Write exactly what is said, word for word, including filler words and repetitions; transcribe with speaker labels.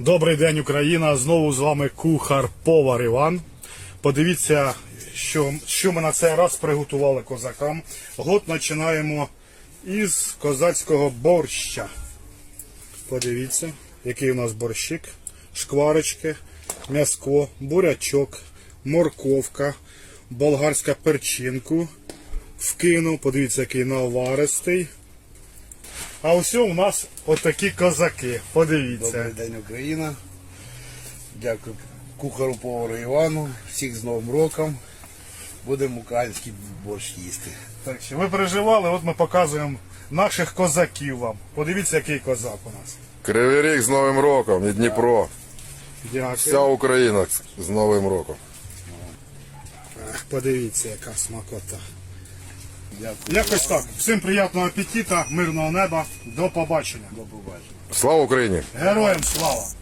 Speaker 1: Добрий день, Україна! Знову з вами кухар-повар Іван. Подивіться, що, що ми на цей раз приготували козакам. Год починаємо із козацького борща. Подивіться, який у нас борщик. Шкварочки, м'яско, бурячок, морковка, болгарська перчинку. Вкинув, подивіться, який наваристий. А ось у нас отакі козаки. Подивіться.
Speaker 2: Добрий день, Україна. Дякую кухару повару Івану. Всіх з Новим роком. Будемо український борщ їсти.
Speaker 1: Так що ви переживали, от ми показуємо наших козаків вам. Подивіться, який козак у нас.
Speaker 3: Кривий Ріг з Новим роком і Дніпро.
Speaker 1: Дякую.
Speaker 3: Вся Україна з Новим роком.
Speaker 1: Ах, подивіться, яка смакота.
Speaker 2: Дякую.
Speaker 1: Якось так. Всім приємного апетита, мирного неба. До побачення.
Speaker 2: До побачення.
Speaker 3: Слава Україні!
Speaker 1: Героям слава!